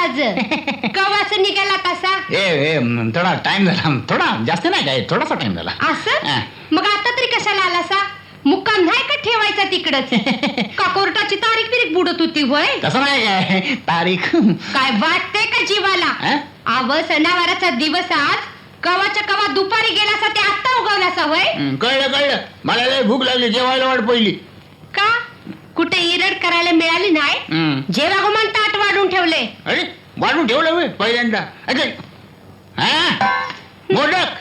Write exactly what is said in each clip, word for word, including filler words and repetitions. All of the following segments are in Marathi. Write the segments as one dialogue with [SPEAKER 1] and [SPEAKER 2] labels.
[SPEAKER 1] आज कवाच निघाला तसा?
[SPEAKER 2] ए ए थोडा टाइम झाला, थोडा जास्त नाही काय, थोडासा टाइम झाला.
[SPEAKER 1] असं? मग आता तरी कशाला आलासा? मुक्काम नाही का ठेवायचा तिकडच? का कोर्टाची तारीख बिरीख बुडत होती होय?
[SPEAKER 2] तसं नाही काय तारीख.
[SPEAKER 1] काय वाटते का जीवाला? आव सणावाराचा दिवस आज, कवाच्या कवा दुपारी गेलासा ते आत्ता उगवलासा होय?
[SPEAKER 2] कळलं कळलं, मला लय भूक लागली, जेवायला वाट पहिली.
[SPEAKER 1] का कुठे इरड करायला मिळाली नाही? जेवा गुमान ताट वाढून ठेवले.
[SPEAKER 2] अरे वाढून ठेवलं होय पहिल्यांदा? अरे हा मोदक.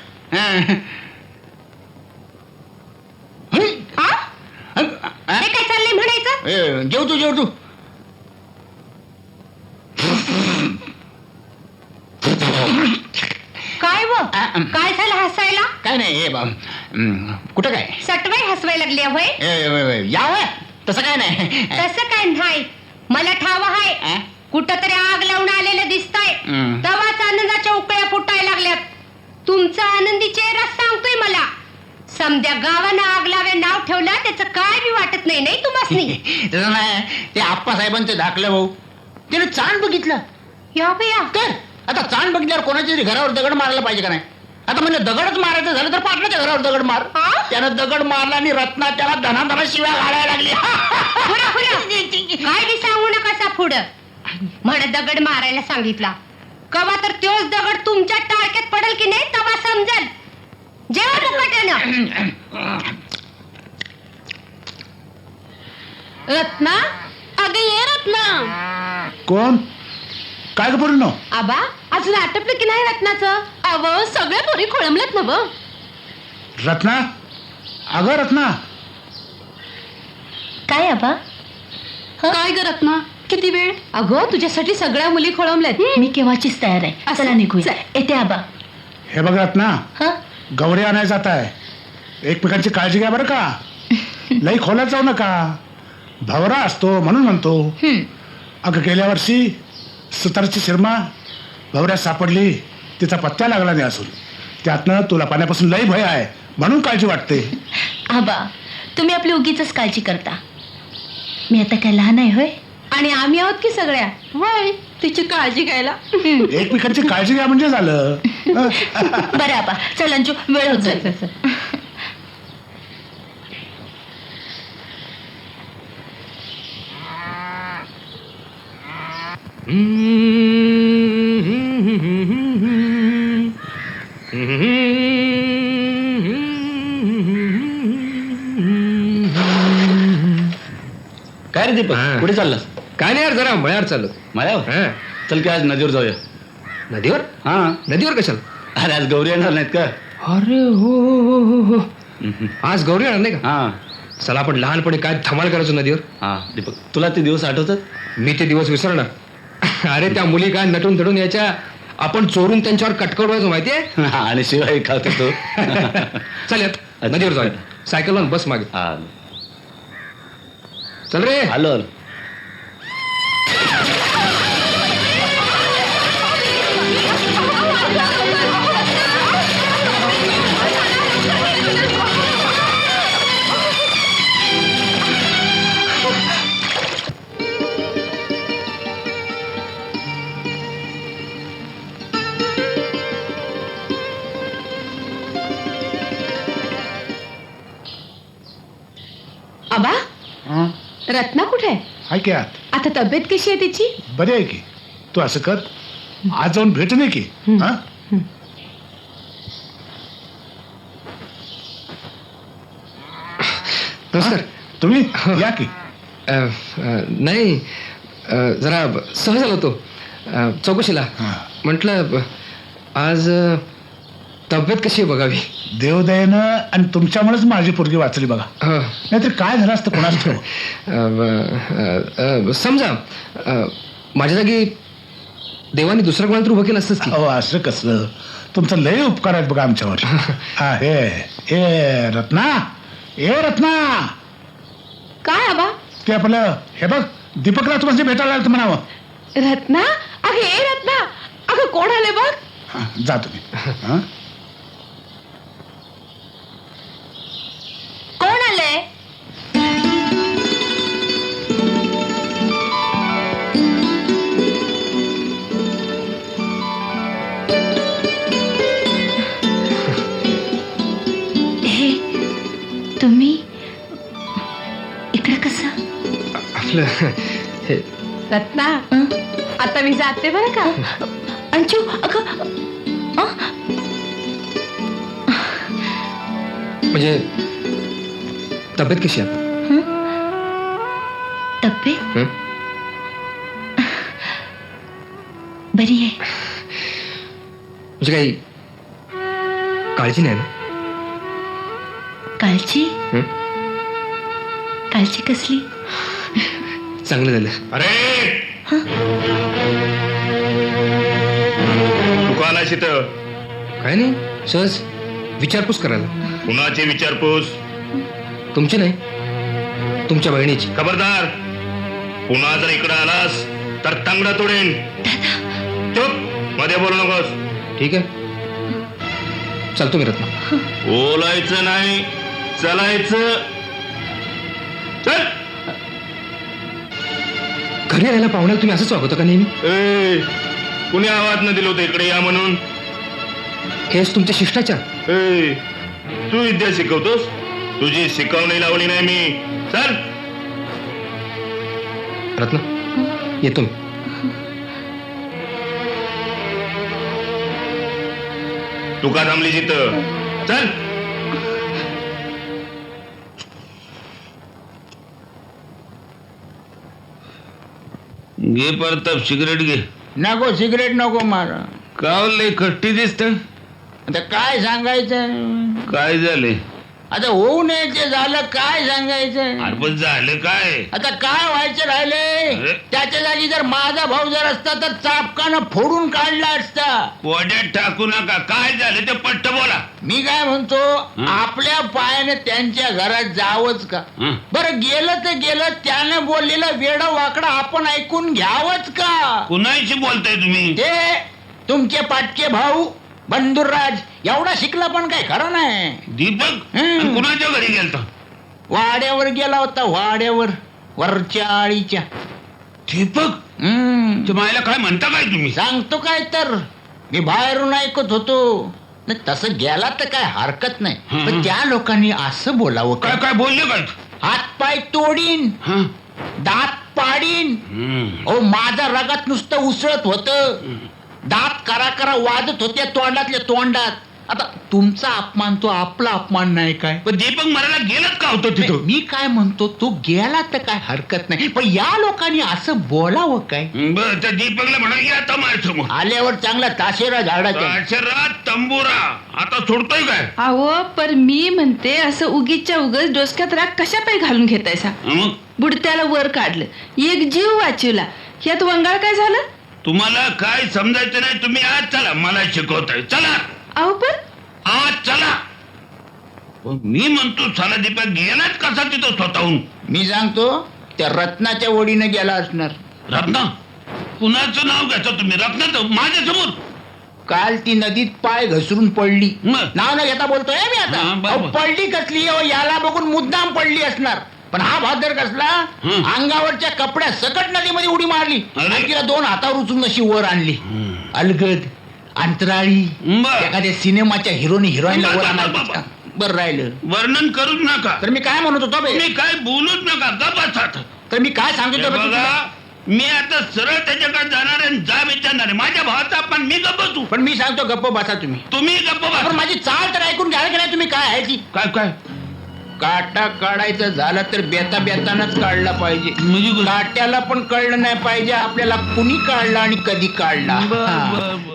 [SPEAKER 1] हे काय चाललंय म्हणायचं?
[SPEAKER 2] जेव तू जेव तू.
[SPEAKER 1] काय व काय झालं हसायला?
[SPEAKER 2] काय नाही हे कुठं काय
[SPEAKER 1] सटवाई हसवायला लागली होय?
[SPEAKER 2] याव तसं काय नाही.
[SPEAKER 1] तसं काय नाही, मला ठाव आहे. कुठं तरी आग लावून आलेलं दिसतंय. तवाच आनंदाच्या उकळ्या फुटायला लागल्यात. तुमचा आनंदी चेहरा सांगतोय मला. समद्या गावानं आग लावे नाव ठेवलं त्याचं काय बी वाटत नाही नाही तुम्हासनी?
[SPEAKER 2] तसं नाही, ते आप्पासाहेबांचं धाकलं भाऊ त्याने चांद बघितलं.
[SPEAKER 1] या बया
[SPEAKER 2] तर आता चांद बघितल्यावर कोणाच्या तरी घरावर दगड मारायला पाहिजे का नाही? आता म्हणजे दगडच मारायचं झालं तर पाटलाच्या घरावर दगड मार. त्यानं दगड मारला आणि रत्ना त्याला धनाधना शिव्या घालायला लागली.
[SPEAKER 1] काय बी सांगू नका सा पुढं. म्हण दगड मारायला सांगितला, कवा तर तोच दगड तुमच्या टाळक्यात पडेल की नाही तवा समजल. जेव्हा मुकाट्यानं. रत्ना, अगं ये रत्ना.
[SPEAKER 3] कोण? काय ग पूर्ण?
[SPEAKER 1] आबा अजून आटपलं की नाही रत्नाचं? अव सगळ्या पोरी खोळंबल्यात ना व.
[SPEAKER 3] रत्ना, अगं रत्ना.
[SPEAKER 1] काय आबा?
[SPEAKER 4] काय ग रत्ना, किती वेळ?
[SPEAKER 1] अगं तुझ्यासाठी सगळ्या मुली खोळंबल्यात.
[SPEAKER 4] मी केव्हाचीच तयार आहे. चला निघूया. येते आबा.
[SPEAKER 3] हे बघ रत्ना, गौरी आणायला जात आहे. एकमेकांची काळजी घ्या बरं का. लई खोलात जाऊ नका, भवरा असतो म्हणून म्हणतो. अगं गेल्या वर्षी सुतारची शिरमा भवऱ्यात सापडली, तिचा पत्ता लागला नाही असून. त्यातनं तुला पाण्यापासून लई भय आहे म्हणून काळजी वाटते.
[SPEAKER 4] आबा तुम्ही आपली उगीच काळजी करता. मी आता काय लहान आहे होय?
[SPEAKER 1] आणि आम्ही आहोत की सगळ्या वय तिची काळजी घ्यायला.
[SPEAKER 3] एकमेकांची काळजी घ्या म्हणजे झालं.
[SPEAKER 4] बरं आबा चल अंजू, वेळ होत जाईल.
[SPEAKER 2] काय रे दीपक, कुठे चाललास?
[SPEAKER 5] काय नाही यार, जरा मळ्यावर चाललो.
[SPEAKER 2] मळ्यावर? चल की आज नदीवर जाऊया.
[SPEAKER 5] नदीवर?
[SPEAKER 2] हा
[SPEAKER 5] नदीवर कशाला?
[SPEAKER 2] अरे आज गौरी येणार नाहीत का?
[SPEAKER 5] अरे हो हो हो हो आज गौरी येणार नाही का?
[SPEAKER 2] हा
[SPEAKER 5] चला आपण लहानपणी काय धमाल करायचो नदीवर.
[SPEAKER 2] हा दीपक, तुला ते दिवस आठवतात?
[SPEAKER 5] मी ते दिवस विसरणार? अरे त्या मुली काय नटून थडून यायच्या, आपण चोरून त्यांच्यावर कटकट व्हायचो माहितीये.
[SPEAKER 2] आणि शिवाय खात होतो.
[SPEAKER 5] चल नदीवर जाऊया. सायकल वन बस मागे.
[SPEAKER 2] हा
[SPEAKER 5] चल रे.
[SPEAKER 2] आलो आलो.
[SPEAKER 1] आबा रत्ना कुठे आहे?
[SPEAKER 3] हाय की आत.
[SPEAKER 1] आता तब्येत कशी आहे तिची?
[SPEAKER 3] बरी आहे की. तू असं कर, आज जाऊन भेट नाही की. हा
[SPEAKER 5] नमस्कार.
[SPEAKER 3] तुम्ही या की.
[SPEAKER 5] नाही जरा सहज आलो होतो चौकशीला. म्हटलं आज तब्येत कशी आहे बघावी.
[SPEAKER 3] देवदयेनं आणि तुमच्यामुळेच माझी पोरगी वाचली बघा. नाहीतर काय झालं असतं कोणाच ठेव.
[SPEAKER 5] समजा माझ्या जागी देवाने दुसरा कोणाला तर उभं केलं असतंच की.
[SPEAKER 3] अहो असं कसलं, तुमचं लय उपकार आहेत बघा आमच्यावर. हा हे हे रत्ना, ए रत्ना.
[SPEAKER 1] काय आबा?
[SPEAKER 3] ते आपलं हे बघ दीपकला तुम्हाला भेटायला आलं म्हणावं.
[SPEAKER 1] रत्ना, अगं ए रत्ना, अगं कोण आले बघ.
[SPEAKER 3] हा जा तुम्ही. हा
[SPEAKER 1] कोण आले?
[SPEAKER 5] आपलं हे
[SPEAKER 1] रत्ना
[SPEAKER 4] हं?
[SPEAKER 1] आता मी जाते बरं का.
[SPEAKER 4] अंशू अगं अं?
[SPEAKER 5] म्हणजे तब्येत कशी आहे?
[SPEAKER 4] हं? तब्येत
[SPEAKER 5] हं?
[SPEAKER 4] बरी आहे.
[SPEAKER 5] म्हणजे काही काळजी नाही ना?
[SPEAKER 4] कालची
[SPEAKER 5] हं?
[SPEAKER 4] कालची कसली?
[SPEAKER 5] चांगलं झालं.
[SPEAKER 6] अरे तू का आलास इथं?
[SPEAKER 5] काय नाही, सहज विचारपूस करायला.
[SPEAKER 6] कुणाची विचारपूस?
[SPEAKER 5] तुमची नाही, तुमच्या बहिणीची.
[SPEAKER 6] खबरदार, पुन्हा जर इकडे आलास तर तांगडा तोडेन. चुप, मध्ये बोलू नकोस.
[SPEAKER 5] ठीक आहे, चालतो मी रत्ना.
[SPEAKER 6] बोलायचं नाही, चलायचं. चल.
[SPEAKER 5] घरी यायला पाहुण्याला तुम्ही असंच वागवता का नेहमी?
[SPEAKER 6] ए, कुणी आवाज न दिलं होतं इकडे या म्हणून?
[SPEAKER 5] हेच तुमच्या शिष्टाचार.
[SPEAKER 6] ए, तू विद्या शिकवतोस? तुझी शिकवणी लावली नाही मी. चल.
[SPEAKER 5] रत्ना, येतो मी.
[SPEAKER 6] तू का थांबली तिथं? चल. घे परताप, सिगरेट घे.
[SPEAKER 2] नको सिगरेट नको मारा.
[SPEAKER 6] कावले कट्टी दिसत.
[SPEAKER 2] आता काय सांगायचं?
[SPEAKER 6] काय झाले?
[SPEAKER 2] आता होऊ नये ते झालं, काय सांगायचं?
[SPEAKER 6] अरे पण झालं काय?
[SPEAKER 2] आता काय व्हायचं राहिले?
[SPEAKER 6] अरे?
[SPEAKER 2] त्याच्या जागी जर माझा भाऊ जर असता तर चापकानं फोडून काढला असता.
[SPEAKER 6] पोड्यात टाकू नका. काय झालं ते पट्ट बोला.
[SPEAKER 2] मी काय म्हणतो, आपल्या पायाने त्यांच्या घरात जावंच का?
[SPEAKER 6] हं.
[SPEAKER 2] बरं गेलं तर गेलं, त्याने बोललेलं वेडं वाकडं आपण ऐकून घ्यावंच का?
[SPEAKER 6] कुणाशी बोलताय तुम्ही?
[SPEAKER 2] ते तुमचे पाटके भाऊ बंधुराज एवढा शिकला पण काय खरं नाही.
[SPEAKER 6] दीपक
[SPEAKER 2] हं.
[SPEAKER 6] आणि कुणाच्या घरी गेलता?
[SPEAKER 2] वाड्यावर गेला होता, वाड्यावर, वरच्या आळीच्या.
[SPEAKER 6] दीपक
[SPEAKER 2] हम्म
[SPEAKER 6] मायला काय म्हणता काय तुम्ही?
[SPEAKER 2] सांगतो काय तर, मी बाहेरून ऐकत होतो. नाही, तसं गेला तर काय हरकत नाही,
[SPEAKER 6] हं.
[SPEAKER 2] पण त्या लोकांनी असं बोलावं
[SPEAKER 6] काय
[SPEAKER 2] काय?
[SPEAKER 6] काय बोलले काय?
[SPEAKER 2] हात पाय तोडीन,
[SPEAKER 6] हं.
[SPEAKER 2] दात पाडीन.
[SPEAKER 6] हं.
[SPEAKER 2] ओ माझा रगात नुसतं उसळत होतं. दात करा करा वाजत होते तोंडातल्या तोंडात. आता तुमचा अपमान तो आपला अपमान नाही काय?
[SPEAKER 6] पण दीपक मरायला गेलत का होतं तिथं?
[SPEAKER 2] मी काय म्हणतो, तो गेला तर काय हरकत नाही, पण या लोकांनी असं बोलावं काय?
[SPEAKER 6] बरं, त्या दीपकला म्हणा की आता माझ्यासमोर
[SPEAKER 2] आल्यावर चांगला ताशेरा झाडाच्या.
[SPEAKER 6] अक्षरात तंबुरा. आता सोडतोय काय?
[SPEAKER 7] अहो पर मी म्हणते असं उगीच्या उगच डोसक्यात राग कशा पाय घालून घेतायसा?
[SPEAKER 6] मग
[SPEAKER 7] बुडत्याला वर काढलं, एक जीव वाचवला, यात वंगाळ काय झालं?
[SPEAKER 6] तुम्हाला काय समजायचं नाही. तुम्ही आज चला, मला शिकवताय. चला
[SPEAKER 7] अहो पण
[SPEAKER 6] आज चला. पण मी म्हणतो चला, दीपक गेलाच कसा तिथं स्वतःहून?
[SPEAKER 2] मी सांगतो, त्या रत्नाच्या ओढीने गेला असणार.
[SPEAKER 6] रत्ना? कुणाचं नाव घ्यायचं तुम्ही? रत्नाचं माझ्या समोर?
[SPEAKER 2] काल ती नदीत पाय घसरून पडली.
[SPEAKER 6] मग?
[SPEAKER 2] नाव न घेता बोलतोय मी आता.
[SPEAKER 6] हा, बरोबर.
[SPEAKER 2] अहो, पडली कसली हो, याला बघून मुद्दाम पडली असणार. पण हा भादर कसला,
[SPEAKER 6] हं.
[SPEAKER 2] अंगावरच्या कपड्या सकट नदीमध्ये उडी मारली
[SPEAKER 6] अरे.
[SPEAKER 2] आणि तिला दोन हातावर उचलून अशी वर आणली. अलगद, अंतराळी,
[SPEAKER 6] बरं.
[SPEAKER 2] एखाद्या सिनेमाच्या हिरोनी हिरोईनला वर
[SPEAKER 6] बाबा,
[SPEAKER 2] आणायचं
[SPEAKER 6] बाबा.
[SPEAKER 2] का? बरं राहिलं.
[SPEAKER 6] वर्णन करूच नका.
[SPEAKER 2] तर मी काय म्हणत होतो बे?
[SPEAKER 6] तुम्ही काय बोलूच नका. गप्पात.
[SPEAKER 2] तर मी काय सांगितलं बे
[SPEAKER 6] बघा,
[SPEAKER 2] तुला?
[SPEAKER 6] मी आता सरळ त्याच्याकडे जाणार आहे आणि जा विचारणार आहे. माझ्या भावाचा पण मी गप्प बसू.
[SPEAKER 2] पण मी सांगतो गप्प बसा तुम्ही.
[SPEAKER 6] तुम्ही गप्प
[SPEAKER 2] पण
[SPEAKER 6] बसा.
[SPEAKER 2] माझी चाल तर ऐकून घ्याल की नाही तुम्ही? काय आहे ती?
[SPEAKER 6] काय काय
[SPEAKER 2] काटा काढायचं झालं तर बेता बेतानच काढला पाहिजे.
[SPEAKER 6] म्हणजे
[SPEAKER 2] काट्याला पण कळलं नाही पाहिजे आपल्याला कुणी काढला आणि कधी काढला.
[SPEAKER 6] बर
[SPEAKER 2] हा.
[SPEAKER 6] बर बर